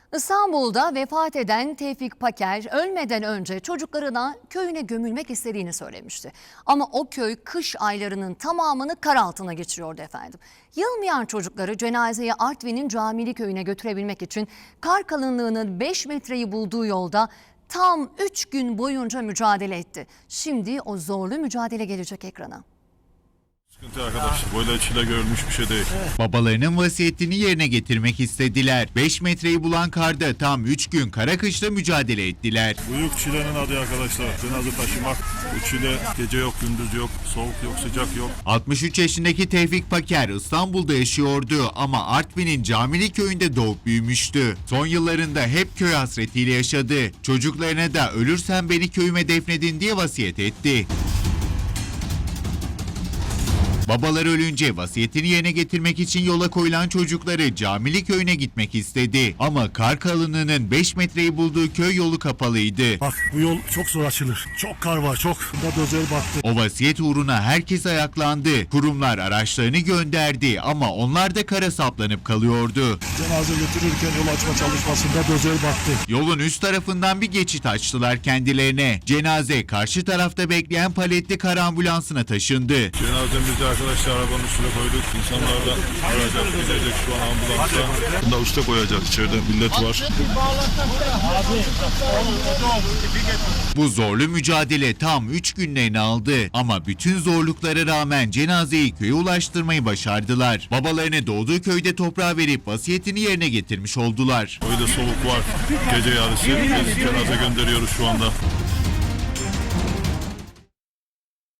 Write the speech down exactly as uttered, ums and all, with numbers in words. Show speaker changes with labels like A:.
A: İstanbul'da vefat eden Tevfik Paker ölmeden önce çocuklarına köyüne gömülmek istediğini söylemişti. Ama o köy kış aylarının tamamını kar altına geçiriyordu efendim. Yılmayan çocukları cenazeyi Artvin'in Camili köyüne götürebilmek için kar kalınlığının beş metreyi bulduğu yolda tam üç gün boyunca mücadele etti. Şimdi o zorlu mücadele gelecek ekrana.
B: Sıkıntı arkadaşlar. Böyle çile görülmüş bir şey değil.
C: Babalarının vasiyetini yerine getirmek istediler. beş metreyi bulan karda tam üç gün kara kışla mücadele ettiler.
B: Büyük çilenin adı arkadaşlar. Cenaze taşımak. Bu çile gece yok, gündüz yok, soğuk yok, sıcak yok.
C: altmış üç yaşındaki Tevfik Paker İstanbul'da yaşıyordu ama Artvin'in Camili köyünde doğup büyümüştü. Son yıllarında hep köy hasretiyle yaşadı. Çocuklarına da ölürsen beni köyüme defnedin diye vasiyet etti. Babaları ölünce vasiyetini yerine getirmek için yola koyulan çocukları Camili köyüne gitmek istedi. Ama kar kalınlığının beş metreyi bulduğu köy yolu kapalıydı.
D: Bak bu yol çok zor açılır. Çok kar var çok. Bunda dozer baktı.
C: O vasiyet uğruna herkes ayaklandı. Kurumlar araçlarını gönderdi ama onlar da kara saplanıp kalıyordu.
D: Cenaze götürürken yol açma çalışmasında dozer baktı.
C: Yolun üst tarafından bir geçit açtılar kendilerine. Cenaze karşı tarafta bekleyen paletli kar ambulansına taşındı.
B: Cenazemizi arkadaşlar arabanın üstüne koyduk. İnsanlar da arayacak, gidecek şu an ambulansa. Bunda usta koyacak. İçeride millet var.
C: Bu zorlu mücadele tam üç günlerini aldı. Ama bütün zorluklara rağmen cenazeyi köye ulaştırmayı başardılar. Babalarını doğduğu köyde toprağa verip vasiyetini yerine getirmiş oldular.
B: Öyle soğuk var. Gece yarısı. Biz cenaze gönderiyoruz şu anda.